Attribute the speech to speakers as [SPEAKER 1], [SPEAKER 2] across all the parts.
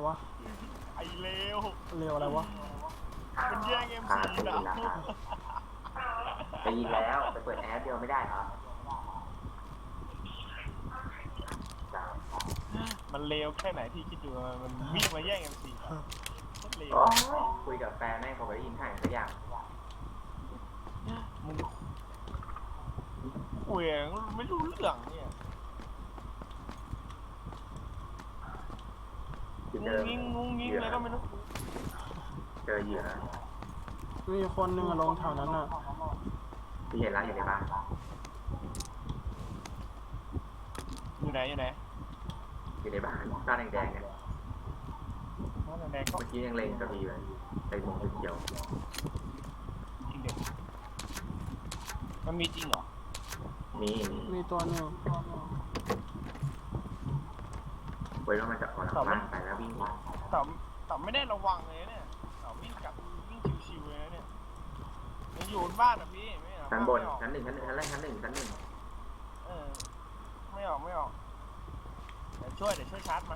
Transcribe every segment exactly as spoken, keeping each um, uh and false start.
[SPEAKER 1] วะ
[SPEAKER 2] ไอ้เลว
[SPEAKER 1] เร็วอะไรวะ
[SPEAKER 2] มันแย่งเอ็มซีนะ
[SPEAKER 3] ไปยิงแล้วไปเปิดแอปเดียวไม่ได้เหรอ
[SPEAKER 2] มันเลวแค่ไหนที่คิดดูมันวิ่งมาแย่งเอ็มซีเลว
[SPEAKER 3] คุยกับแฟนแม่เขาไปยิงห่างสักอย่าง
[SPEAKER 2] มึงคุยไม่รู้เรื่องเนี่ยงุ้งงิ้งงุ้งงิ้งอะไรก็ไม่รู้
[SPEAKER 3] เจอเหยื่อ
[SPEAKER 1] มีคนหนึ่งลงแถวนั้นอ่ะ
[SPEAKER 3] ที่เห็นร้านอยู่ในบ้าน
[SPEAKER 2] อยู่ไหนอยู่ไหน
[SPEAKER 3] อยู่ในบ้านบ้านแดงๆเนี่ย
[SPEAKER 2] บ้านแดงก็
[SPEAKER 3] เมื่อกี้ยังเล็งกระบี่เลยใส่หมวกเขียว
[SPEAKER 2] จริงเด็กมันมีจริงเหรอ
[SPEAKER 3] มี
[SPEAKER 1] มีตัวหนึ่ง
[SPEAKER 3] ไว้ว่ามันจะออกหลังบ้านไปแล้ววิ่ง
[SPEAKER 2] แต่แต่ไม่ได้ระวังเลยเนี่ยแต่วิ่งกลับวิ่งชิวๆเลยเนี่ยยังอยู่บนบ้านอ่ะพี่ไม่ออก
[SPEAKER 3] ชั้นบนชั้นหนึ่งชั้นหนึ่งชั้นแรกชั้นหนึ่งชั้นหนึ่ง
[SPEAKER 2] เออไม่ออกไม่ออกเดี๋ยวช่วยเดี๋ยวช่วยชาร์จมัน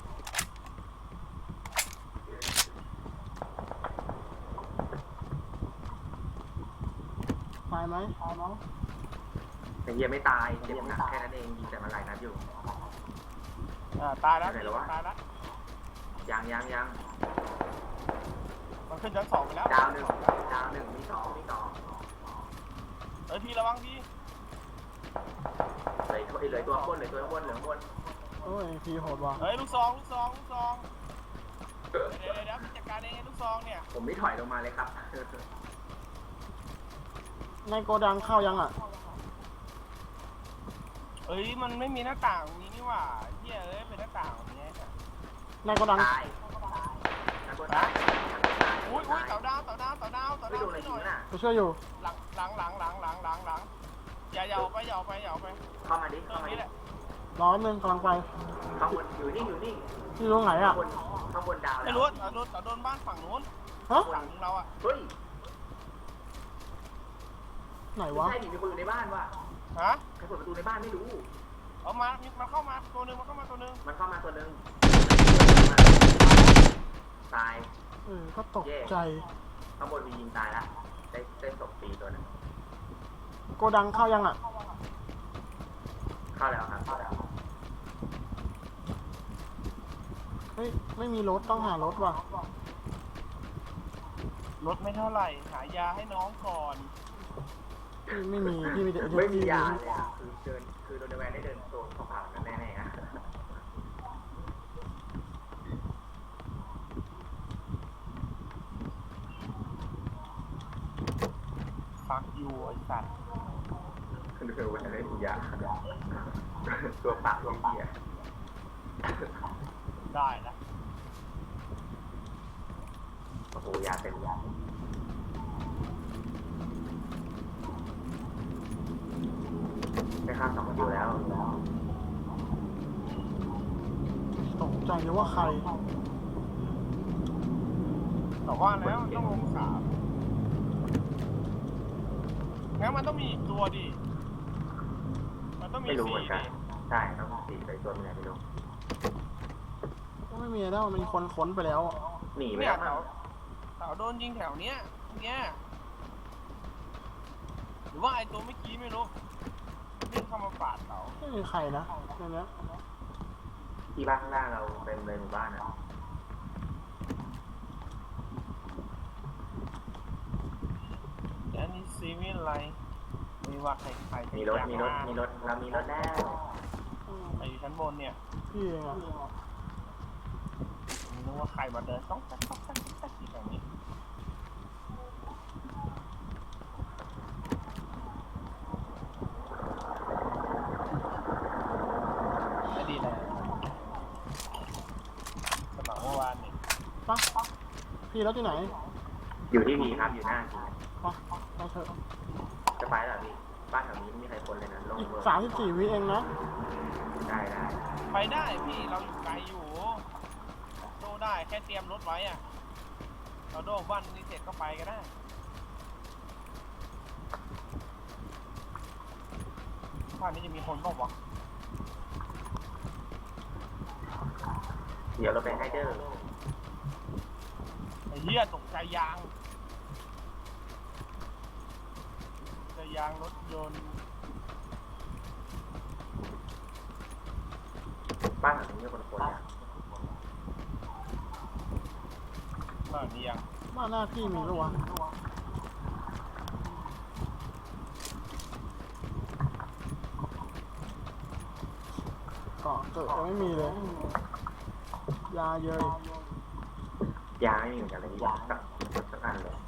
[SPEAKER 1] ตายไหมตายไหม
[SPEAKER 3] แต่เฮียไม่ตายเจ็บหนักแค่นั้นเองยิงแต่มันหลายนัดอยู่
[SPEAKER 2] อ่าตายแล้วตายแล้ว
[SPEAKER 3] ยังยังยัง
[SPEAKER 2] มันขึ้นชั้นสองไปแล้ว
[SPEAKER 3] ดาวหนึ่งดาวหนึ่งมีสองมีสอง
[SPEAKER 2] เออพี่ระวังพี่
[SPEAKER 3] เลยเลยตัวบนเลยตัวบนเหลืองบน
[SPEAKER 1] โอ้ยพี่โหดว่ะ
[SPEAKER 2] เฮ้ยลูกซองลูกซองลูกซองเดี๋ยวเดี๋ยวเดี๋ยวจัดการเองลูกซองเนี่ย
[SPEAKER 3] ผมไม่ถอยลงมาเลยครับ
[SPEAKER 1] ในโกดังเข้ายังอ่ะ
[SPEAKER 2] เอ้ยมันไม่มีหน้าต่างนี้นี่หว่าเฮียเอ้ยเป็นหน้าต่างอย่างเงี้ย
[SPEAKER 1] ในโกดัง
[SPEAKER 3] ตาย
[SPEAKER 2] อุ้ยอุ้ยเต่าดาวเต่าดาวเต่าดาวเต่าดาวช่วยหน่อย
[SPEAKER 1] ไปช่วยอยู่
[SPEAKER 2] หลังหลังหลังหลังหลังหลังหลังอย่าอย่าไปอย่าไปอย่าไป
[SPEAKER 3] เข้ามาดิเข้ามาดิ
[SPEAKER 1] รอหนึ่งกำลังไป
[SPEAKER 3] ข้างบนอยู่นี่อยู่นี่
[SPEAKER 1] ที่ตรงไหนอ่ะ
[SPEAKER 3] ข้างบนดาว
[SPEAKER 2] ไม่รู้เต่าโดนเต่าโดนบ้านฝั่งนู้น
[SPEAKER 1] ฮะ
[SPEAKER 2] ฝั่งเราอ่ะ
[SPEAKER 3] เฮ้ย
[SPEAKER 1] ไหนวะ
[SPEAKER 3] ใช่ดิมีคนอยู่ในบ้านวะ
[SPEAKER 2] ฮะ
[SPEAKER 3] ใครเปิดประตูในบ้านไม่รู้
[SPEAKER 2] เอามามันเข้ามาตัวนึงมันเข้ามาตัวนึง
[SPEAKER 3] มันเข้ามาตัวนึงตาย
[SPEAKER 1] เออก็ตกใจ
[SPEAKER 3] ข้างบนมียิงตายแล้วได้เส้นตกปีตัวนึง
[SPEAKER 1] โกดังเข้ายังอ่ะ
[SPEAKER 3] เข้าแล้วครับเข้าแล้ว
[SPEAKER 1] เฮ้ยไม่มีรถต้องหารถว่ะ
[SPEAKER 2] รถไม่เท่าไหร่หายาให้น้องก่อน
[SPEAKER 1] พี่ไม่มีพี่มีแต่
[SPEAKER 3] ไม่มียาเลยคือเดินคือโดนแวนได้เดินโซนเข้าผ่านกันแน่ๆฮะ
[SPEAKER 2] ฟักยูไอ้สัตว์
[SPEAKER 3] คือเดินแวนได้มียาตัวปากตัวเหี้ย
[SPEAKER 2] ได้นะ
[SPEAKER 3] โอ้โหยาเต็มยาได้ข้ามสองคิวแล้ว
[SPEAKER 1] ตกใจเลยว่าใคร
[SPEAKER 2] แต่ว่าแล้วต้องลงสามงั้นมันต้องมีอีกตัวดิมันต้องมี
[SPEAKER 3] สี่ใช่ต้องมีสี่ไปตัวมีอะไรไม่รู้
[SPEAKER 1] ก็ไม่มีแล้วมันมีคนค้นไปแล้ว
[SPEAKER 3] หนีไปแล้ว
[SPEAKER 2] เต่าเต่าโดนยิงแถวเนี้ยเนี้ยหรือว่าไอ้ตัวเมื่อกี้ไม่รู้วิ่งเข้ามาปาดเต่า
[SPEAKER 1] ไม่มีใครนะในนี้
[SPEAKER 3] ที่บ้านข้างล่างเราเป็นเลยหมู่บ้านนะ
[SPEAKER 2] อันนี้ซีวิลไลไม่ว่าใครใคร
[SPEAKER 3] มีรถมีรถมีรถเรามีรถแล้ว
[SPEAKER 2] ไปอยู่ชั้นบนเนี่ย
[SPEAKER 1] พี่เองอ่ะ
[SPEAKER 2] นึกว่าใครมาเดินต้องต้องต้องต้องต้องที่แบบนี้ไม่ดีเลยสมัครเมื่อวานนี่
[SPEAKER 1] ปะพี่รถที่ไหน
[SPEAKER 3] อยู่ที่พีครับอยู่หน้าพี
[SPEAKER 1] ปะไปเถอะ
[SPEAKER 3] จะไปเหรอพี่บ้านแถวนี้ไม่มีใครคนเลยนะลงเบอร์
[SPEAKER 1] สามสิบสี่วิเองนะ
[SPEAKER 3] ได้ได้
[SPEAKER 2] ไปได้พี่เราอยู่ไกลอยู่โดได้แค่เตรียมรถไว้อะเราโดบ้านนี้เสร็จก็ไปก็ได้บ้านนี้จะมีคนบ้างวะ
[SPEAKER 3] เดี๋ยวเราไปให้เด้อ
[SPEAKER 2] ฮียตกใจยางใจยางรถยนต์
[SPEAKER 3] บ้านหลังนี้มีคนคนเนี่ย
[SPEAKER 2] บ้านนี้ยัง
[SPEAKER 1] บ้านหน้าพี่มีหรือวะเกาะเกิดยังไม่มีเลย ยาเยอะ
[SPEAKER 3] ยาไม่มีเหมือนกันเลยยาสักสักอันเลย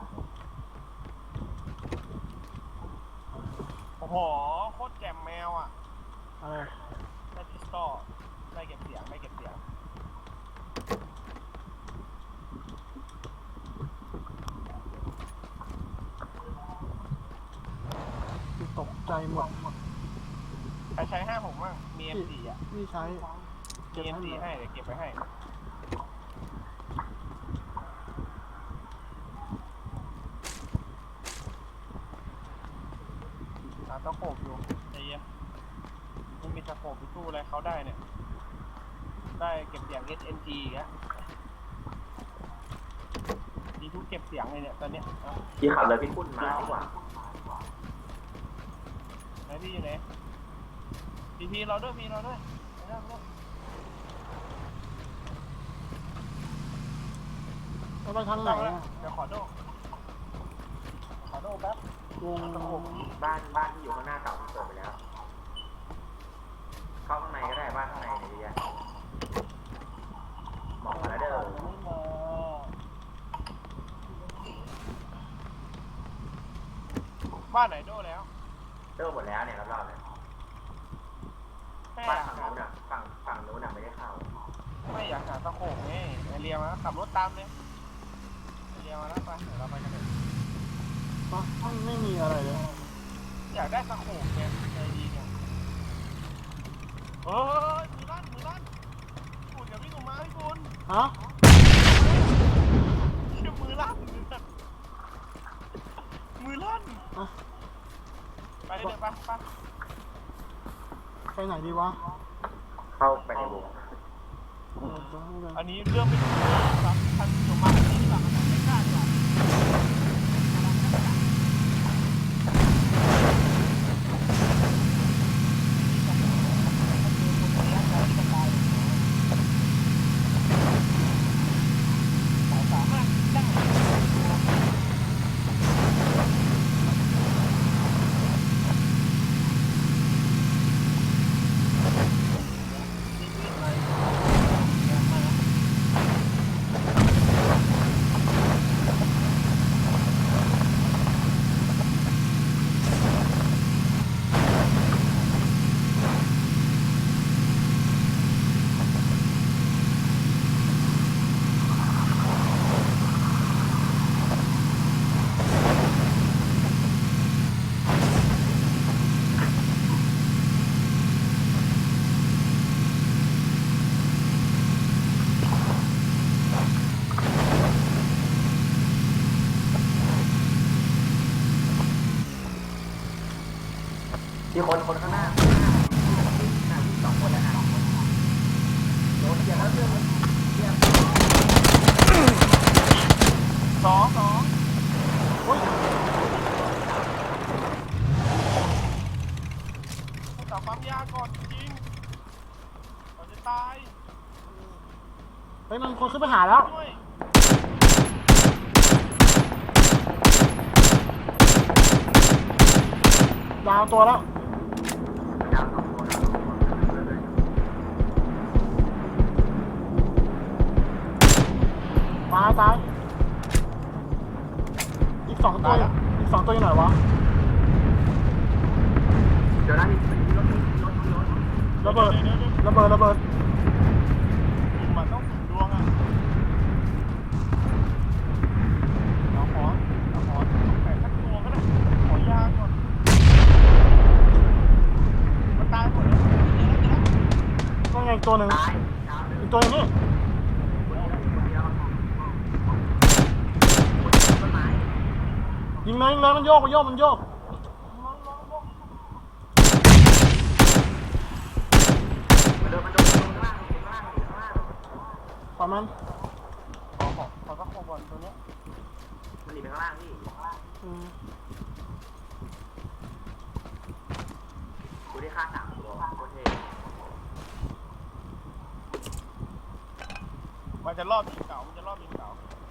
[SPEAKER 2] โอ้โหโคตรแจ่มแมวอ่ะ
[SPEAKER 1] อะไร
[SPEAKER 2] ได้พิสตอลได้เก็บเสียงได้เก็บเสียง
[SPEAKER 1] ตกใจหมด
[SPEAKER 2] ใครใช้ห้าผมบ้างมี เอ็ม สี่ อ่ะ
[SPEAKER 1] พี่ใช้
[SPEAKER 2] มี เอ็ม สี่ ให้
[SPEAKER 1] เลย
[SPEAKER 2] เดี๋ยวเก็บไว้ให้หาตะโขบอยู่ไอ้เหี้ยมันมีตะโขบไปสู้อะไรเขาได้เนี่ย ได้เก็บเสียง เอส เอ็น จี อีกแล้วมีทุกเก็บเสียงเลยเนี่ยตอนเนี้ยเอา
[SPEAKER 3] พี่ขับเลยพี่พุ่นมาดีกว่า
[SPEAKER 2] ไหนพี่อยู่ไหนพีพีเราด้วยพีเราด้วยไปแล้วไปแล้ว
[SPEAKER 1] แล้วไปทางไหนอะ
[SPEAKER 2] เดี๋ยวขอโดขอโดแป๊บ
[SPEAKER 1] วง
[SPEAKER 2] ตะโขบ
[SPEAKER 3] บ้านบ้านที่อยู่ข้างหน้าเก่าเปิดไปแล้ว เข้าข้างในก็ได้บ้านข้างในเนี่ยดีอะหมอกมาแล้วเด้อ
[SPEAKER 2] ไม่มาบ้านไหนโดแล้ว
[SPEAKER 3] เด้อหมดแล้วเนี่ยรอบๆเลย
[SPEAKER 2] แม่
[SPEAKER 3] บ้าน
[SPEAKER 2] อยาก
[SPEAKER 3] ฝั่ง
[SPEAKER 2] หา
[SPEAKER 3] นู้นอะฝั่งฝั่งนู้นอะไม่ได้เข้า
[SPEAKER 2] ไม่อยากหาตะโขบไงไอเรียมาขับรถตามเลยไอเรียมาแล้วไปเดี๋ยวเราไปกันเลย
[SPEAKER 1] ปะไม่ไม่มีอะไรเลย
[SPEAKER 2] อยากได้ตะโขบไงใจดีไงเฮ้ยมือลั่นมือลั่นพี่บุญอย่าวิ่งออกมาพี่บุญ
[SPEAKER 1] ฮะ
[SPEAKER 2] เชื่อมือลั่นมือลั่น
[SPEAKER 1] อ่ะ
[SPEAKER 2] ไปเลยไปไป
[SPEAKER 1] ไปไหนดีวะ
[SPEAKER 3] เข้าไปในวง
[SPEAKER 1] เออเดี๋ยวให้เลย
[SPEAKER 2] อันนี้เรื่องไม่ถูกครับท่านผู้ชมมาที่นี่ดีกว่าครับไม่กล้าดีกว่าสามารถได้
[SPEAKER 3] ที่คนคนข้างหน้าหน้าสองคนแล้วนะโดนเหยียบแล้วเรื่องเหยียบ
[SPEAKER 2] สองสอง
[SPEAKER 1] โอ้ย
[SPEAKER 2] ต่อความยากก่อนจริงก่อนจะตาย
[SPEAKER 1] เฮ้ยมันคนขึ้นไปหาแล้ว
[SPEAKER 2] ด้วย
[SPEAKER 1] ดาวตัวแล้ว
[SPEAKER 3] ดาวสองตัวดาวสองตัวเลย
[SPEAKER 1] ตายตายอีกสองตัวอีกสองตัวอยู่ไหนวะ
[SPEAKER 3] เดี๋ยวนะมีมีรถมีรถมีรถ
[SPEAKER 1] ระเบิดระเบิดระเบิด
[SPEAKER 2] มันต้องถึงดวงอ่ะเอาขอเอาขอแปะสักตัวก็ได้ขอยาก่อนมันตายหมดแล้วเดี๋ยวนะเดี๋ยวนะ
[SPEAKER 1] ก็ไงอีกตัวหนึ่ง
[SPEAKER 3] ตายดาวหนึ่ง
[SPEAKER 1] อีกตัวอย่างนี้
[SPEAKER 3] คนเดียวคนเดียวต้นไม้
[SPEAKER 1] ยิงเลยยิงเลยมันโยกมันโยกมันโยก
[SPEAKER 3] มันโดนมันโดนข้างล่างข้างล่างข้างล่าง
[SPEAKER 1] ปล่อยมัน
[SPEAKER 2] ขอขอขอสักโคของบอลตัวเนี้ย
[SPEAKER 3] มันหนีไปข้างล่างพี่
[SPEAKER 1] อืม
[SPEAKER 3] กูได้ฆ่าสามตัวโคตรเท่
[SPEAKER 2] มันจะรอบยิงเก่ามันจะรอบยิงเก่า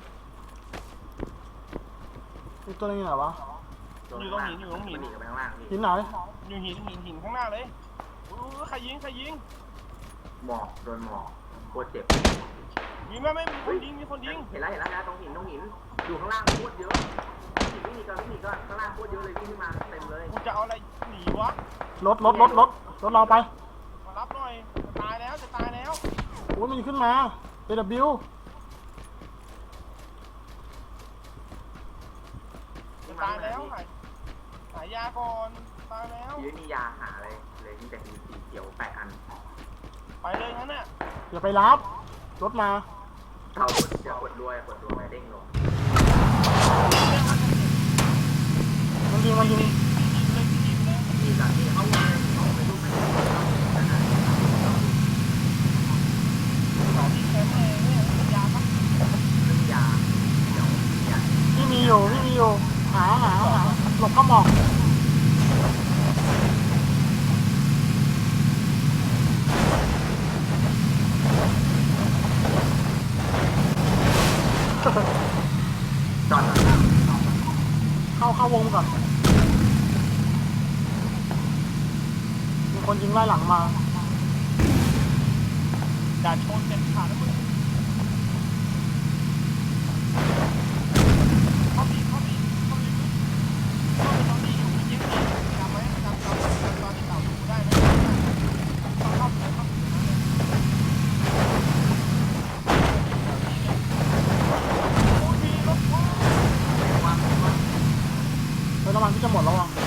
[SPEAKER 1] อีกตัวนึงอยู่ไหนวะ
[SPEAKER 3] มันหนีกันไปข้างล่างพี่
[SPEAKER 1] หินไหน
[SPEAKER 2] อยู่หินหินหินข้างหน้าเลยอู้ใครยิงใครยิง
[SPEAKER 3] หมอกโดนหมอกโคตรเจ็บ
[SPEAKER 2] มีไหมไม่มีคนยิงมีคนยิง
[SPEAKER 3] เห็นแล้วเห็นแล้วนะตรงหินตรงหินอยู่ข้างล่างโคตรเยอะหินไม่มีก็ไม่มีก็ข้างล่างโคตรเยอะเลยวิ่งขึ้นมาเต็มเลย
[SPEAKER 2] กูจะเอาอะไรหนีวะ
[SPEAKER 1] รถรถรถรถรถเราไป
[SPEAKER 2] มารับหน่อยจะตายแล้วจะตายแล้ว
[SPEAKER 1] โอ้ยมันขึ้นมา เอ ดับเบิลยู
[SPEAKER 2] จะตายแล้วหายหายยาก่อนตายแล้ว
[SPEAKER 3] ยืนมียาหาอะไรเลยมีแต่สีเขียวแปดอัน
[SPEAKER 2] ไปเลยงั้นน่ะ
[SPEAKER 1] อย่าไปรับรถมา
[SPEAKER 3] เขากดเดี๋ยวกดรวยกดรวยเด้งลง
[SPEAKER 1] มันยิงมันยิง
[SPEAKER 2] ยิงเลยยิงเลย
[SPEAKER 3] มีจากที่เขาวางเขาไปรูปไป
[SPEAKER 2] สองที่แคมป์เลยเนี่ยยาปะ
[SPEAKER 3] เรื่องยาเดี๋ยวเนี่ย
[SPEAKER 1] พี่มีอยู่พี่มีอยู่หาหาหาหลบเข้าหมอก
[SPEAKER 3] จอด
[SPEAKER 1] เข้าเข้าวงก่อนมีคนยิงไล่หลังมา
[SPEAKER 2] อย่าชนเด็ดขาดนะมึงเข้าบีเข้าบีเข้าบีเข้าไปตอนนี้อยู่ยิงยิงจำไหมจำจำตอนที่เต่าอยู่ได้ไหมเข้าเข้าไปเข้าไปโอ้ยมีรถว้า
[SPEAKER 1] เฮ้ยน้ำมันที่จะหมดแล้วอ่ะ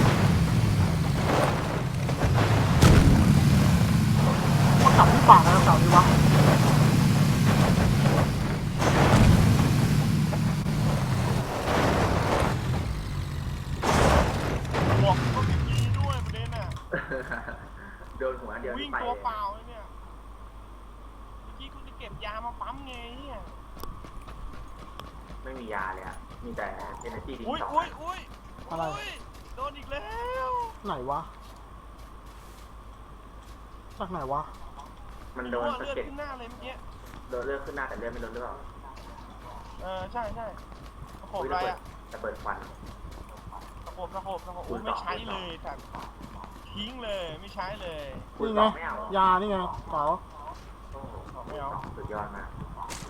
[SPEAKER 1] มันกลับที่ปากนะเก่าดีวะ
[SPEAKER 2] หมวกก็ไม่มีด้วยประเด็นน่ะ
[SPEAKER 3] โดนหัวเดียว
[SPEAKER 2] วิ่ง
[SPEAKER 3] ไป
[SPEAKER 2] ตัวเปล่าเลยเนี่ยเมื่อกี้กูจะเก็บยามาปั๊มไงเนี่ย
[SPEAKER 3] ไม่มียาเลยอ่ะมีแต่เอเนจีดี
[SPEAKER 2] อุ้ย
[SPEAKER 3] สอง
[SPEAKER 2] อุ้ยอุ้ย
[SPEAKER 1] อะไร
[SPEAKER 2] ยโดนอีกแล้ว
[SPEAKER 1] ไหนวะจากไหนวะ
[SPEAKER 3] มันโดน
[SPEAKER 2] เลื
[SPEAKER 3] สะ
[SPEAKER 2] อด
[SPEAKER 3] เก็ด
[SPEAKER 2] ขึ้นหน้าเลยเมื่อกี้
[SPEAKER 3] โดนเลือดขึ้นหน้าแต่เลือดไม่โดนหรือเปล่า
[SPEAKER 2] เออใช่ใช่ตะโขบอะไรอ่ะ
[SPEAKER 3] จะเปิดควัน
[SPEAKER 2] ตะโขบตะโขบตะโขบโอ้ยไม่ใช้เลยแต่ทิ้งเลยไม่ใช้เลย
[SPEAKER 3] คุณ
[SPEAKER 1] นี่
[SPEAKER 3] ส
[SPEAKER 1] ไง
[SPEAKER 3] องไม่เอา
[SPEAKER 1] ยานี่ไงเก๋า
[SPEAKER 3] โอ้โห
[SPEAKER 2] ไม่เอา
[SPEAKER 3] สุดยอดมาก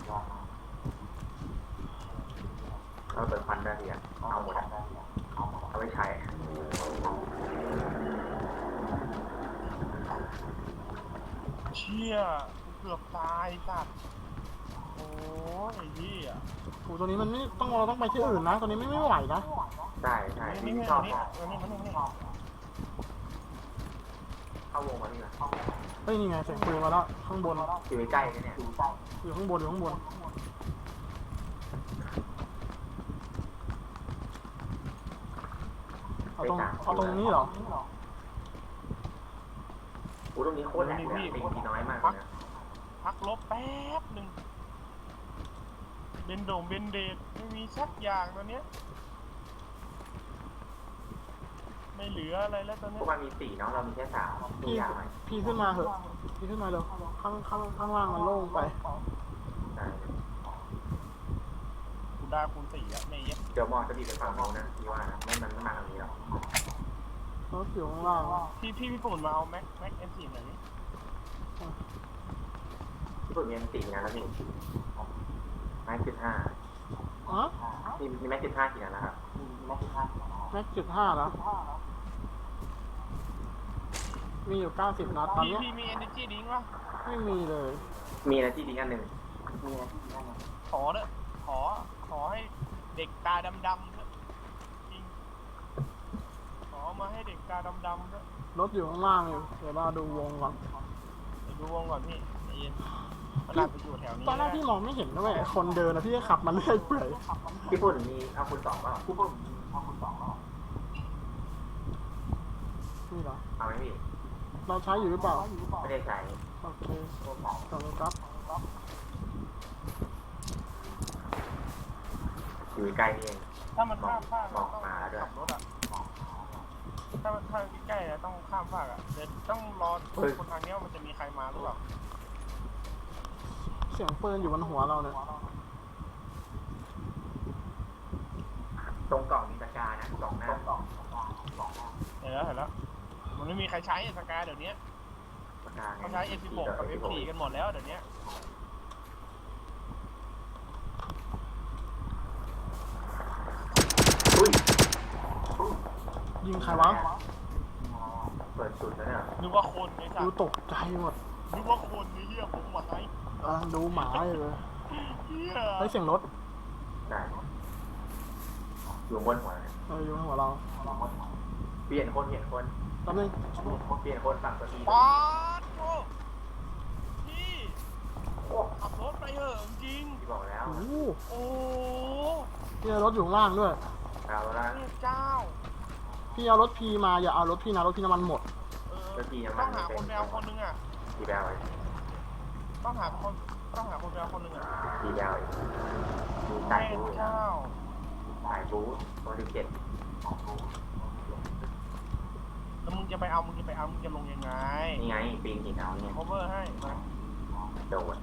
[SPEAKER 3] เราเปิดควันได้ดีอ่ะเอาหมดอ่ะเอาไว้ใช้
[SPEAKER 2] เชี่ยกูเกือบตายสัตว์โอ้ยไอ้เหี้ย
[SPEAKER 1] โอ้ตัวนี้มันไม่ต้องเราต้องไปที่อื่นนะตัวนี้ไม่ไม่ไหวนะ
[SPEAKER 3] ใช่ใช่
[SPEAKER 2] นี่
[SPEAKER 3] ที่
[SPEAKER 2] นี่
[SPEAKER 3] ชอบ
[SPEAKER 2] นี่นี่นี่นี่
[SPEAKER 3] เข้าวงมานี่นะ
[SPEAKER 1] เฮ้ยนี่ไงเสียงปืนมาแล้วข้างบน
[SPEAKER 3] อยู่ใกล้ๆเนี่ย
[SPEAKER 1] อยู่ข้างบนอยู่ข้างบนเอาตรงเอาตรงนี้เหรอ
[SPEAKER 3] โอ้ตรงนี้โคตรแหลกเลยตีทีน้อยมากเลยนะ
[SPEAKER 2] พักลบแป๊บหนึ่งเบนโด่งเบนเดดไม่มีสักอย่างตอนเนี้ยไม่เหลืออะไรแล้วตอน
[SPEAKER 3] พ
[SPEAKER 2] เนี้
[SPEAKER 3] วย กมันมีสี่เนาะเรามีแค่สามมี
[SPEAKER 1] พี่
[SPEAKER 3] ยาไหม
[SPEAKER 1] พี่ขึ้นมาเถอะพี่ขึ้นมาเร็วข้างข้างข้างล่างมันโล่งไป
[SPEAKER 3] ใช่
[SPEAKER 2] กูได้คูณสี่แล้วไม่เยอะ
[SPEAKER 3] เดี๋ยวมอจะดีไปฝั่งโน้นนะพี่ว่านะไม่มันไม่มาทางนี้หรอก
[SPEAKER 1] รถอยู่ข้างล่าง
[SPEAKER 2] พี่พี่พี่ปุ่นมาเอาแม็กแม็กเอ็มสี่หน่อยดิ
[SPEAKER 3] ที่ผมมีสี่นะแล้วนี่แม็กสิบห้า
[SPEAKER 1] อ๋อ
[SPEAKER 3] มีมีแม็กสิบห้ากี่นัดนะครับ
[SPEAKER 1] แม็กจุดห้าแล้วมีอยู่เก้าสิบนัดตอน
[SPEAKER 2] พี่
[SPEAKER 1] เนี้ย
[SPEAKER 2] พี่มี energy drink วะ
[SPEAKER 1] ไม่มีเลย
[SPEAKER 3] มีนะที่ดีอันหนึ่ง
[SPEAKER 2] ขอเด้อขอขอให้เด็กตาดำๆเถอะจริงขอมาให้เด็กตาดำๆเถอะ
[SPEAKER 1] รถอยู่ข้างล่างอยู่เดี๋ยวเราดูวงก่อน
[SPEAKER 2] เดี๋ยวดูวงก่อนพี่ใจเย็นมันน่าจะอยู่แถวนี้
[SPEAKER 1] ตอนแรกพี่มองไม่เห็นนะเว้ยคนเดินนะพี่ก็ขับมันเรื่อยเปื่อย
[SPEAKER 3] ญี่ปุ่นมีเอาคุณสองเปล่า
[SPEAKER 1] นี่เหรอ
[SPEAKER 3] เอาไหมพี่
[SPEAKER 1] เราใช้อยู่หรือเปล่า
[SPEAKER 3] ไม่ได้ใช้
[SPEAKER 1] โอเคขอบคุณครับ
[SPEAKER 3] อยู่ใกล้นี่เอง
[SPEAKER 2] ถ้ามันข้ามฟาก
[SPEAKER 3] บอก
[SPEAKER 2] ต้อง
[SPEAKER 3] มาด้วย
[SPEAKER 2] ขับรถอ่ะถ้าถ้าใกล้ๆนะต้องข้ามฟากอ่ะเดี๋ยวต้องรอคนทางเนี้ยมันจะมีใครมาหรือเปล่า
[SPEAKER 1] เสียงปืนอยู่บนหัวเราเนี่ย
[SPEAKER 3] ตรงกล่องมีตะกร้านะกล่องหน้า
[SPEAKER 2] เห็นแล้วเห็นแล้วมันไม่มีใครใช้สกาเดี๋ยวนี้
[SPEAKER 3] ตะกร้าไง
[SPEAKER 2] เขาใช้ เอ็ม สิบหก กับ เอฟ โฟร์ กันหมดแล้วเดี๋ยวนี้
[SPEAKER 3] อุ้ย
[SPEAKER 1] ยิงใครวะ
[SPEAKER 3] เปิดสุดแล้วเนี่ย
[SPEAKER 2] นึกว่าคนไอ้สั
[SPEAKER 1] ดู
[SPEAKER 2] ส
[SPEAKER 1] ตกใจหมด
[SPEAKER 2] นึกว่าคนไอ้เหี้ยผมหมดไอ้
[SPEAKER 1] กำลังดูหมาอยู่เลย
[SPEAKER 2] เหี้ย
[SPEAKER 1] ไอ้เสียงรถ
[SPEAKER 3] ได้อยู่บนหัวเลย
[SPEAKER 1] เอออยู่บนหัวเรา
[SPEAKER 3] เปลี่ยนคนเปลี่ยนคน
[SPEAKER 1] แป๊บนึง
[SPEAKER 3] เปลี่ยนคนฝั่งตัวที
[SPEAKER 2] ป๊าดโอ้พี่
[SPEAKER 3] โอ้
[SPEAKER 2] ขับรถไปเถอะจริง
[SPEAKER 3] ที่บอกแล้ว
[SPEAKER 1] โอ้โห
[SPEAKER 2] โอ้
[SPEAKER 1] พี่เอารถอยู่ข้างล่างด้วย
[SPEAKER 3] เราละ
[SPEAKER 2] พระเจ้า
[SPEAKER 1] พี่เอารถพีมาอย่าเอารถพี่นะรถพี่น้ำมันหมด
[SPEAKER 2] เออต้องหาคนแมวคนนึงอ่ะ
[SPEAKER 3] ทีแบลเลย
[SPEAKER 2] ต้องหาคนต้องหาคนแมวคนนึงอ่ะ
[SPEAKER 3] ทีแบลเลยมี
[SPEAKER 2] พ
[SPEAKER 3] สาย
[SPEAKER 2] ระ
[SPEAKER 3] บู
[SPEAKER 2] เจ้า
[SPEAKER 3] สายบูตัวที่เจ็ด
[SPEAKER 2] แล้วมึงจะไปเอามึงจะไปเอามึงจะลงยังไง
[SPEAKER 3] นี่ไงปีนหินเอาเนี่ย
[SPEAKER 2] cover ให้มา
[SPEAKER 3] โดด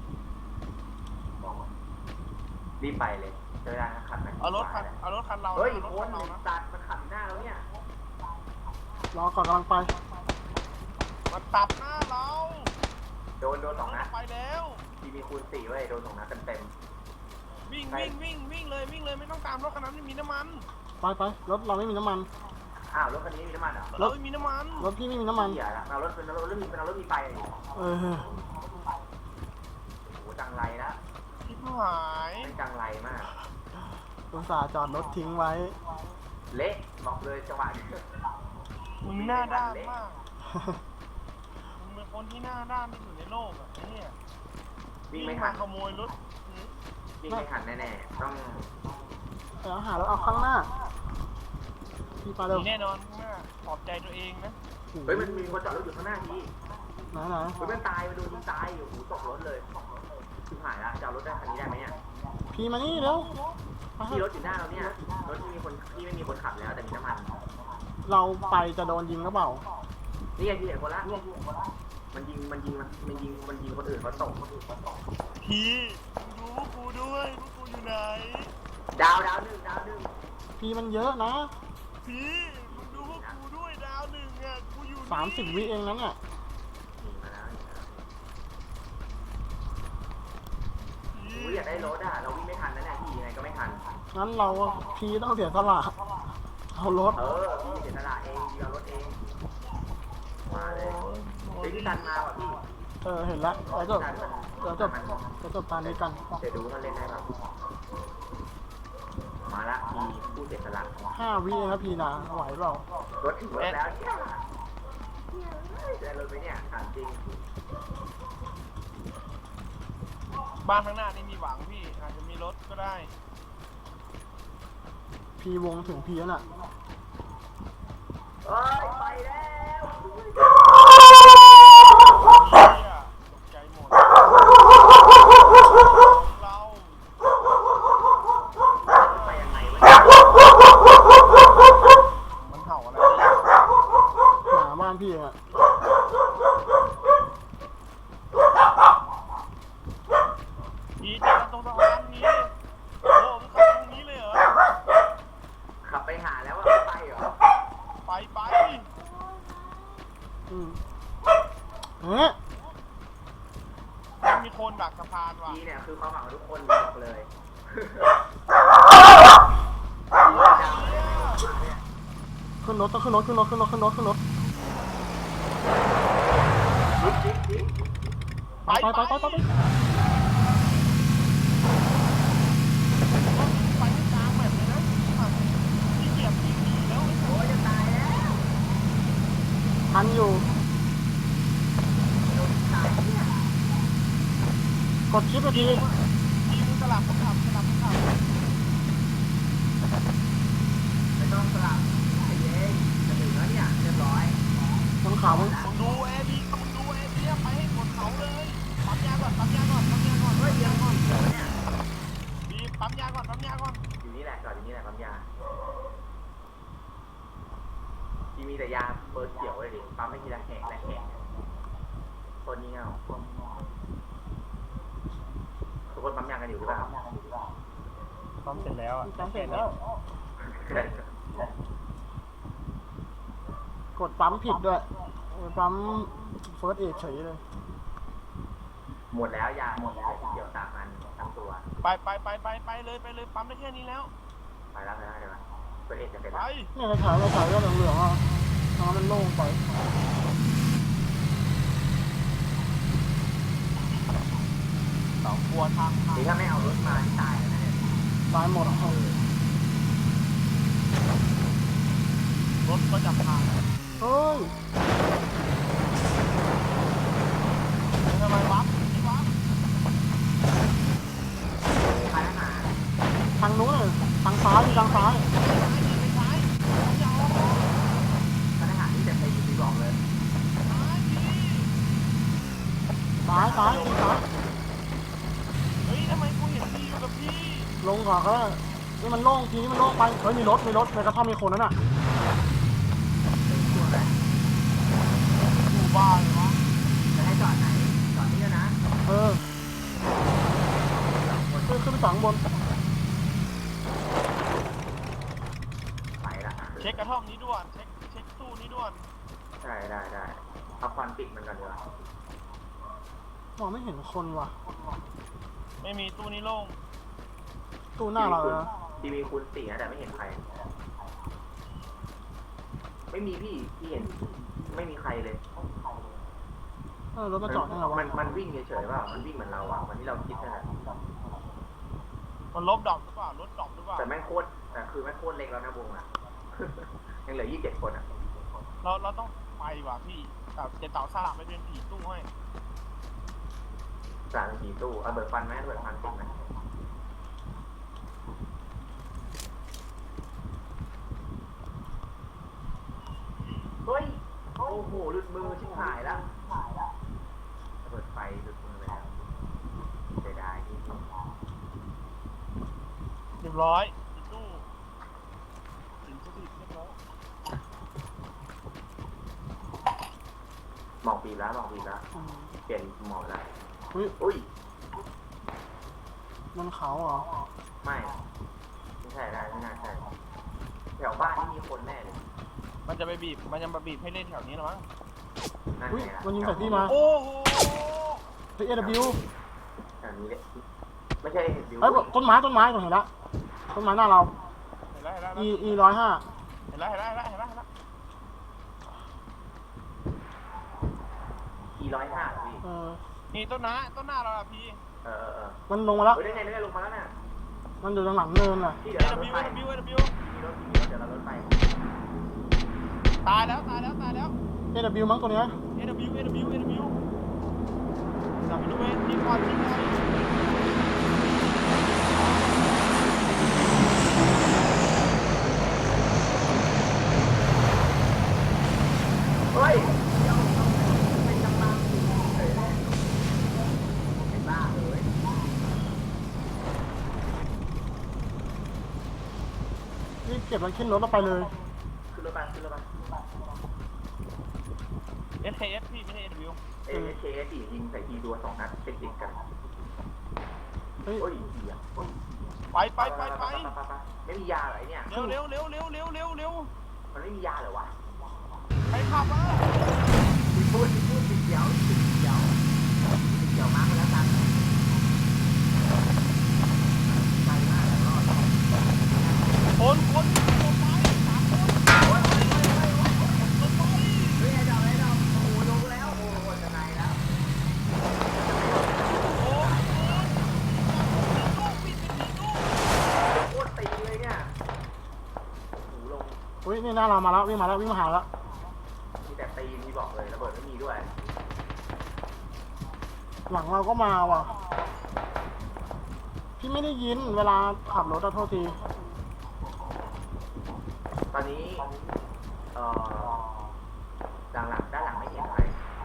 [SPEAKER 3] รีบไปเลยเจอได้นะขับนะ
[SPEAKER 2] เอารถคันเอารถคันเรา
[SPEAKER 3] เฮ้ย
[SPEAKER 2] เอารถ
[SPEAKER 3] โค
[SPEAKER 2] คั
[SPEAKER 3] น
[SPEAKER 2] นเรานะ
[SPEAKER 3] ตัดมันขับหน้าแล้วเนี่ย
[SPEAKER 1] รอก่อนกำลังไป
[SPEAKER 2] มันตัดหน้าเรา
[SPEAKER 3] โดนโดนสองนัด
[SPEAKER 2] ไปแล้ว
[SPEAKER 3] ทีมีคูณสี่เว้ยโดนสองนัดเต็มเต็ม
[SPEAKER 2] วิ่งวิ่งวิ่งวิ่งเลยวิ่งเลยไม่ต้องตามรถคันนั้นไม่มีน้ำมัน
[SPEAKER 1] ไปไปรถเราไม่มีน้ำมัน
[SPEAKER 3] อ้าวรถคันนี้มีน้ำมันเหรอ
[SPEAKER 2] เราไม่มีน้ำมัน
[SPEAKER 1] รถพี่ไม่มีน้ำมัน
[SPEAKER 3] เหี้ยละเรารถเป็นรถมีเป็นรถมีไฟอ่ะ
[SPEAKER 1] เออ
[SPEAKER 3] โหจังไรละ
[SPEAKER 2] ชิบหาย
[SPEAKER 3] เป็นจังไรมาก
[SPEAKER 1] อุตส่าห์จอดรถทิ้งไว้
[SPEAKER 3] เละบอกเลยจังหวะนี้
[SPEAKER 2] มึงหน้าด้านมากมึงเป็นคนที่หน้าด้านที่สุดในโลกอ่ะไอ้เนี่ย
[SPEAKER 3] วิ่
[SPEAKER 2] วิ่
[SPEAKER 3] ง
[SPEAKER 2] ง
[SPEAKER 3] ไม่
[SPEAKER 2] มา
[SPEAKER 3] ทัน
[SPEAKER 2] ขโมยรถ
[SPEAKER 3] วิ่งไม่ทันแน่ๆต้อง
[SPEAKER 1] เดี๋ยวหารถเอาข้างหน้า พี่ไป
[SPEAKER 2] ห
[SPEAKER 1] เร็ว
[SPEAKER 2] นีแน่นอนข้างหน้าปลอบใจตัวเองนะ
[SPEAKER 3] เฮ้ยมันมีคนจอดรถอยู่ข้างหน้าที
[SPEAKER 1] ไหนไหน
[SPEAKER 3] เฮ้ยมันตายมันโดนยิงตายโอ้โหตกรถเลยชิบหายละจะเอารถได้คันนี้ได้ไหมเนี่ย
[SPEAKER 1] พี่มานี่เร็วไปเถ
[SPEAKER 3] ที่ร
[SPEAKER 1] อะ
[SPEAKER 3] ถอยู่หน้าเราเนี่ยรถที่มีคนที่ไม่มีคนขับแล้วแต่มีน้ำมัน
[SPEAKER 1] เราไปจะโดนยิงหรือเปล่า
[SPEAKER 3] นี่ไงที่เห็นคนละมันยิงมันยิงมันยิงมันยิงคนอื่นเขาตกคนอื่นเขาตก
[SPEAKER 2] พี่มึงดูพวกกูด้วยพวกกูอยู่ไหน
[SPEAKER 3] ดาวดาวหนึ่งดาวหนึ่ง
[SPEAKER 1] พี่มันเยอะนะ
[SPEAKER 2] พี่มึงดูพวกกูด้วยดาวหนึ่งอ่ะกูอยู่นี่
[SPEAKER 1] สามสิบวิเองนั้นอ่ะ
[SPEAKER 3] หนีมาแล้วหนีมาแล้ว
[SPEAKER 2] พี่
[SPEAKER 3] โอ้ยอยากได้รถอ่ะเราวิ่งไม่ทันนะเนี่ยพี่ยังไงก็ไม่ทัน
[SPEAKER 1] งั้นเราพี่ต้องเสียสละเอารถ
[SPEAKER 3] เออพี่เสียสละเองพี่เอารถเองมาเลย
[SPEAKER 2] โอ้
[SPEAKER 3] เฮ้ยพี่ตันมาว่ะพี่
[SPEAKER 1] เออเห็นแล้วเดี๋ยวจบเดี๋ยวจบเดี๋ยวจบตามนี้กัน
[SPEAKER 3] เดี๋ยวดูเขาเล่นได้ป่ะมาละพี่ผู้เสียสละ
[SPEAKER 1] ห้าวิเองครับพี่นะไหวเปล่าร
[SPEAKER 3] ถถึงรถแล้วเนี่ยได้รถไปเนี่ยถามจริง
[SPEAKER 2] บ้านข้างหน้านี่มีหวังพี่อาจจะมีรถก็ได้
[SPEAKER 1] พี่วงถึงพี่แล้วน่ะ
[SPEAKER 3] เฮ้ยไปแล้ว
[SPEAKER 2] เหี้ยตกใจหมดเรา
[SPEAKER 3] ไปยังไงวะเนี่ย
[SPEAKER 2] มันเห่าอะไร
[SPEAKER 1] หมาบ้านพี่เองอ่ะ
[SPEAKER 2] พี่เจอกันตรงสะพานนี้โอ้มึงขับตรงนี้เลยเหรอ
[SPEAKER 3] ขับไปหาแล้วว่าไม่ไปเหรอ
[SPEAKER 2] ไปไป
[SPEAKER 1] อืมเฮ้ย
[SPEAKER 2] มันมีคนดักสะพานว่ะ
[SPEAKER 3] พี่เนี่ยคือความหวังของทุกคนบอกเลย
[SPEAKER 1] ขึ้นรถต้องขึ้นรถขึ้นรถขึ้นรถขึ้นรถขึ้นรถ
[SPEAKER 3] จิ๊บจิ๊บจิ๊บ
[SPEAKER 1] ไปไปไปไปไป
[SPEAKER 2] ไปให้กลางแบบเลยนะพี่เหยียบพี่หนีแล้วไอ้สั
[SPEAKER 3] โอ้ยจะตายแล้ว
[SPEAKER 1] ทันอยู่
[SPEAKER 3] โดนตายเนี่ย
[SPEAKER 1] กดชิปไปที
[SPEAKER 2] พี่มึงสลับคนขับสลับคนขับ
[SPEAKER 3] ไม่ต้องสลับไอ้เย้จะถึงแล้วเนี่ยเรียบร้อย
[SPEAKER 1] ต้องขาวมึง
[SPEAKER 2] มึงดูแอร์ดีมึงดูแอร์ดีไปให้กดเขาเลยปั๊มยาก่อนปั๊มยาก่อนปั๊มยาก่อน
[SPEAKER 3] เฮ้ยยังก่อนเดี๋ยวเนี่ย
[SPEAKER 2] ดีปั๊มยาก่อนปั๊มยาก่อน
[SPEAKER 3] อยู่นี่แหละจอดมีแต่ยาเปิดเขียวเลยดิปั๊มไม่ทีละแหกละแหกคนนี้เอาทุกคนปั๊มยากันอยู่หรือเปล่า
[SPEAKER 2] พร้อมเสร็จแล้วอ่ะ
[SPEAKER 1] ปั๊มเสร็จแล้ว กดปั๊มผิดด้วยปั๊มเฟิร์สเอดเฉยเลย
[SPEAKER 3] หมดแล้วยาหมดแล้วเกี่ยวตามมันทั้งตัว
[SPEAKER 2] ไปไปไปไปไปเลยไปเลยปั๊มได้แค่นี้แล้ว
[SPEAKER 3] ไปแล้วนะเดี๋ยวเปิดเอ็ดจะเป็น
[SPEAKER 2] ไป
[SPEAKER 1] เนี่ยกระถางกระถางก็เหลืองๆอ่ะน้ำมันโล่งไป
[SPEAKER 2] สองกลัวทางทาง
[SPEAKER 3] นี่ถ้าไม่เอารถมาที่ตายแล้วนะเนี่ย
[SPEAKER 1] ตายหมด
[SPEAKER 2] รถก็จะพัง
[SPEAKER 1] เฮ้ย
[SPEAKER 2] ทำไมวับที่วับ
[SPEAKER 3] ใครมา
[SPEAKER 1] ทางนู้นเลยทางซ้ายมีทางซ้าย
[SPEAKER 2] ไม่ใช่อย่าออก
[SPEAKER 3] ทหารที่จะไปยิงบอกเลย
[SPEAKER 1] ซ้ายซ้ายมีซ้าย
[SPEAKER 2] เฮ้ยทำไมกูเห็นพี่อยู่กับพี่
[SPEAKER 1] ลงก่อนก็ได้นี่มันโล่งทีนี้มันโล่งไปเฮ้ยมีรถมีรถในกระท่อมมีคนนั่นน่ะ
[SPEAKER 3] ตัวอะไร
[SPEAKER 2] อยู่บ้านเลยวะ
[SPEAKER 3] จะให้จอดไหนจอดนี่นะ
[SPEAKER 1] เออขึ้นขึ้นไปฝั่งบน
[SPEAKER 3] ไปละ
[SPEAKER 2] เช็คกระท่อมนี้ด่วนเช็คเช็คตู้นี้ด่วน
[SPEAKER 3] ได้ได้ได้เอาควันปิดมันกันดีกว่าม
[SPEAKER 1] องไม่เห็นคนว่ะ
[SPEAKER 2] ไม่มีตู้นี้โล่ง
[SPEAKER 1] ตู้หน้าเรานะ
[SPEAKER 3] ทีวีคูณสี่นะแต่ไม่เห็นใคร ไม่มีพี่พี่เห็นไม่มีใครเลย
[SPEAKER 1] เออรถมาจอดยังไงวะ
[SPEAKER 3] มันมันวิ่งเฉยๆเปล่ามันวิ่งเหมือนเราอะเหมือนที่เราคิดนั่นแหละ
[SPEAKER 2] มันลบดรอปหรือเปล่ารถดรอปหรือเปล่า
[SPEAKER 3] แต่แม่งโคตรแต่คือแม่งโคตรเล็กแล้วนะวงอะ ยังเหลือยี่สิบเจ็ดคนอะ
[SPEAKER 2] เราเราต้องไปว่ะพี่แบบจะเต่าสลับไปเป็นผีตู้ให้
[SPEAKER 3] สามสี่ตู้เอาเบิร์ฟันไหมเบิร์ฟันติดไหมเฮ้ยโอ้โหหลุดมือชิบหายแล้วเปิดไฟหลุดมือไปแล้วเสียดายที่
[SPEAKER 2] เรียบร้อยผีตู้ถึงสถิตเรียบร้อย
[SPEAKER 3] หมอกปีแล้วหมอกปีแล้ว
[SPEAKER 1] อืม
[SPEAKER 3] เปลี่ยนหมอกแล้ว
[SPEAKER 1] อุ้ย
[SPEAKER 3] อุ้ย
[SPEAKER 1] มันเขาเหรอ
[SPEAKER 3] ไม่ไม่ใช่ได้ไม่น่าใช่แถวบ้านที่มีคนแน่เลย
[SPEAKER 2] มันจะไปบีบมันจะมาบีบให้เล่นแถวนี้หรอมั้ง
[SPEAKER 3] นั่น
[SPEAKER 1] อุ้ย
[SPEAKER 3] ไงล่ะ
[SPEAKER 1] มันยิงใส่พี่มา
[SPEAKER 2] โอ้โห
[SPEAKER 1] เฮ้ยเอวิว
[SPEAKER 3] แถวนี้เลยไม่ใช่บิว
[SPEAKER 1] เฮ้ยต้นไม้ต้นไม้ตรงเห็นละต้นไม้หน้าเรา
[SPEAKER 2] เห็นแล้วเห็นแล้ว
[SPEAKER 1] e e ร้อยห้า
[SPEAKER 2] เห็นแล้วเห็นแล้วเห็นแล้วเห็นแล้วเห็นแล้ว
[SPEAKER 3] อีร้อยห้าพี่
[SPEAKER 1] เออ
[SPEAKER 2] นี่ต้นหน้าต้นหน้าเราอะพี่
[SPEAKER 3] เออเออเออ
[SPEAKER 1] มันลงมาแล้ว
[SPEAKER 3] เฮ้ยได้ไงได้ไงลงมาแล้วน่ะ
[SPEAKER 1] มันอยู่ตรงหลังเนินน่ะ
[SPEAKER 3] พี่
[SPEAKER 2] เอ
[SPEAKER 3] เดี๋ยวเราร
[SPEAKER 2] วิ
[SPEAKER 3] ถ
[SPEAKER 2] ว
[SPEAKER 3] ไป
[SPEAKER 2] เอวิวเอวิว
[SPEAKER 3] มีรถมีรถเดี๋ยวเรารถไป
[SPEAKER 2] ตายแล้วตายแล้วตายแล้ว
[SPEAKER 1] เอวิวมั้งตัวเนี้ย
[SPEAKER 2] เอวิวเอวิวเอวิวจับไปดูเว้ยยิงก่อนยิงก่อน
[SPEAKER 3] เฮ้ยเดี๋ยวเป็นกำลังเฮ้ยเป็นบ้าเลย
[SPEAKER 1] รีบเก็บมันขึ้นรถแล้วไปเลย
[SPEAKER 3] ขึ้นรถไปขึ้นรถไป
[SPEAKER 2] เอสเคเอสพี่ไม่ใช่เอวิว
[SPEAKER 3] เอเคเอสยิงใส่ทีดัวสองนัดติดติดกัน
[SPEAKER 1] เฮ้ย
[SPEAKER 3] โอ้ยเหี้ย
[SPEAKER 2] ไปไปไปไป
[SPEAKER 3] ไม่มียาเหรอไอเนี่ย
[SPEAKER 2] เร็วเร็วเร็วเร็วเร็วเร็วเร็ว
[SPEAKER 3] มันไม่มียาเหรอวะ
[SPEAKER 2] ไปขับมา
[SPEAKER 3] มีพูดมีพูดติดเดียวติดเดียวติดเดียวมากแล้วกันไปมากแล้วรอด
[SPEAKER 2] คนคนคนไปสามคน
[SPEAKER 3] โอ้ยโอ้ยโอ้ยโอ้ย
[SPEAKER 2] คนไป
[SPEAKER 3] เฮ้ยไอ้ดอกไอ้ดอกโอ้โหลงแล้วโอ้โหจะไหนแล้ว
[SPEAKER 2] โอ้ยลูกปิดเป็นลูก
[SPEAKER 3] โคตรตีเลยเนี่ยหูลง
[SPEAKER 1] อุ้ยนี่หน้าเรามาแล้ววิ่งมาแล้ววิ่งมาหาแล้ว
[SPEAKER 3] มีแต่ตีมีบอกเลยระเบิดไม่มีด้วย
[SPEAKER 1] หลังเราก็มาว่ะพี่ไม่ได้ยินเวลาขับรถอะโทษที
[SPEAKER 3] ตอนนี้เอ่อด้านหลังด้านหลังไม่เห็นใคร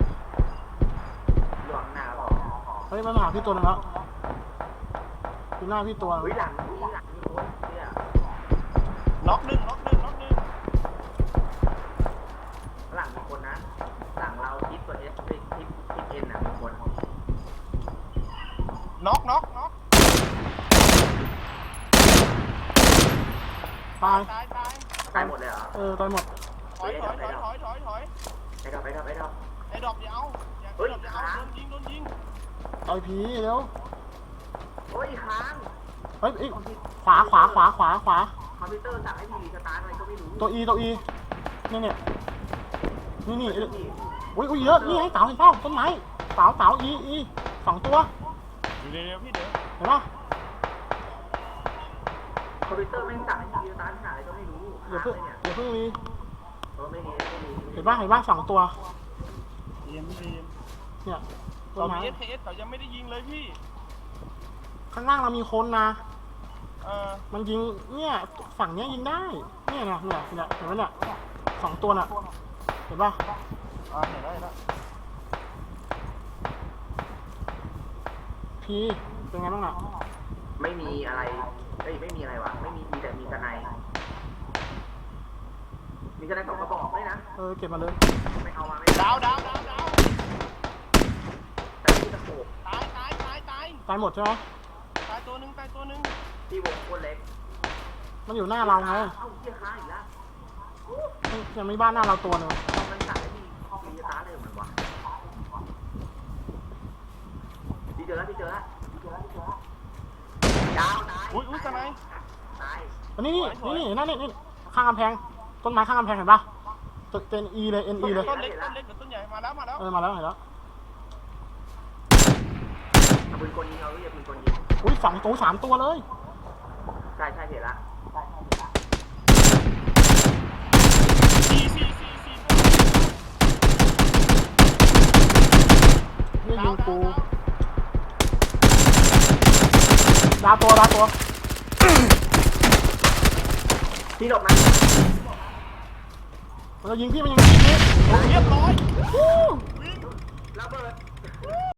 [SPEAKER 3] หลวงหน้าพอ
[SPEAKER 1] เฮ้ยมันมาหาพี่ตัวนึงแล้วอยู่หน้าพี่ตัวนึง
[SPEAKER 3] เฮ้ยหลังนี่หลังมีคนเนี่ย
[SPEAKER 2] ล็อกหนึ่งล็อกหนึ่งล็อกหนึ่งน็อกน็อกน็อก
[SPEAKER 1] ตาย
[SPEAKER 2] ตายตาย
[SPEAKER 3] ตายหมดเลยเหรอ
[SPEAKER 1] เออตายหมด
[SPEAKER 2] ถอยถอยถอยถอยถอยถอย
[SPEAKER 3] ไปดับไปดับไปดับ
[SPEAKER 2] ไอ้ดอกอย่าเอาอย่า
[SPEAKER 3] เฮ้ย
[SPEAKER 2] ดอกอย่าเอา
[SPEAKER 3] ค้าง
[SPEAKER 2] โดนยิงโดนยิง
[SPEAKER 1] ต่อยผีเร็ว
[SPEAKER 3] โอ้ยค้าง
[SPEAKER 1] เฮ้ยเอ้ยขวาขวาขวาขวาขวา
[SPEAKER 3] คอมพิวเตอร์สั่งให้ทีวีสตาร์ทอะไรก็ไม่รู้
[SPEAKER 1] ตัวอีตัวอีเนี่ยเนี่ยนี่นี่
[SPEAKER 3] พี่
[SPEAKER 1] อุ้ยอุ้ยเยอะนี่ไงเต๋าเห็นเปล่าต้นไม้เต๋าเต๋าอีอีสองตัว
[SPEAKER 2] อยู่เร็วๆพี่เดี๋ยว
[SPEAKER 1] เห็นปะ
[SPEAKER 3] คอมพิวเตอร์แม่งสั่งให้ทีวีสตาร์ทหาอะไรก็ไม่รู้
[SPEAKER 1] อย่า
[SPEAKER 3] ค้าง
[SPEAKER 1] เพิ่ง
[SPEAKER 3] เลยเนี่ย
[SPEAKER 1] อย่าเพิ่งมี
[SPEAKER 3] เออไม่มีไม่มี
[SPEAKER 1] เห็นปะเห็นปะสองตัว
[SPEAKER 2] เย็นพี่เย็น
[SPEAKER 1] เนี่ยต้
[SPEAKER 2] เรา
[SPEAKER 1] นไม้
[SPEAKER 2] มี เอส เค เอสเขายังไม่ได้ยิงเลยพี่
[SPEAKER 1] ข้างล่างเรามีคนนะ
[SPEAKER 2] เออ
[SPEAKER 1] มันยิงเนี่ยฝั่งเนี้ยยิงได้เนี่ยเนี่ยเนี่ยเนี่ยเห็นไหมเนี่ยสองตัวน่ะเห็นปะ
[SPEAKER 2] อ่าเห็นแล้วเห็นแล้ว
[SPEAKER 1] พีเป็นไงบ้างอ่ะ
[SPEAKER 3] ไม่มีอะไรเอ้ยไม่มีอะไรวะไม่มีมีแต่มีกระไนมีกระไนสองกระบอกด้วยนะ
[SPEAKER 1] เออเก็บมาเลย
[SPEAKER 3] ไม่เอามาไม่
[SPEAKER 2] ดาวดาวดาวดาว
[SPEAKER 3] แต่ที่ตะโขบ
[SPEAKER 2] ตายตายตายตาย
[SPEAKER 1] ตายหมดใช่ไหม
[SPEAKER 2] ตายตัวหนึ่งตายตัวหนึ่ง
[SPEAKER 3] ที่วงโคนเล็ก
[SPEAKER 1] มันอยู่หน้าเราไง
[SPEAKER 3] เอ้าเหี้ยค้างอีกแล้ว
[SPEAKER 1] ยังไม่บ้านหน้าเราตัวหนึง
[SPEAKER 3] มันสั่งให้ทีวีสตาร์ทเลยเหมือนวะพี่เจอแล้วพี่เจอแล้วพี่เจอแล้วพี่เจอแล้วยาวตาย
[SPEAKER 2] อุ้ยอุ้ยทนาย
[SPEAKER 3] ตาย
[SPEAKER 1] อันนี้นี่นี่นี่นั่นนี่นี่ข้างกำแพงต้นไม้ข้างกำแพงเห็นปะตัวเป็นอีเลยเอ็นอีเลย
[SPEAKER 2] ต้นเล็กต้นเล็กกับต้นใหญ่มาแล้วมาแล้ว
[SPEAKER 1] เออมาแล้วเห็นแล้ว
[SPEAKER 3] เอาปืนกลยิงเอาเรียกปืนกลยิง
[SPEAKER 1] อุ้ยสองตัวสามตัวเลย
[SPEAKER 3] ใช่ใช่เห็นละ
[SPEAKER 2] สี่สี่สี่สี่
[SPEAKER 1] นี่
[SPEAKER 2] ดา
[SPEAKER 1] ยิ
[SPEAKER 2] ว
[SPEAKER 1] ง
[SPEAKER 2] ดา
[SPEAKER 1] กู
[SPEAKER 2] วดาว
[SPEAKER 1] ดาวตัวดาวตัว
[SPEAKER 3] พี่หลบนะ
[SPEAKER 1] มันจะยิงพี่มันยิงพี่
[SPEAKER 2] เรียบร้อย
[SPEAKER 1] วู้
[SPEAKER 2] วิ่ง
[SPEAKER 3] ระเบิด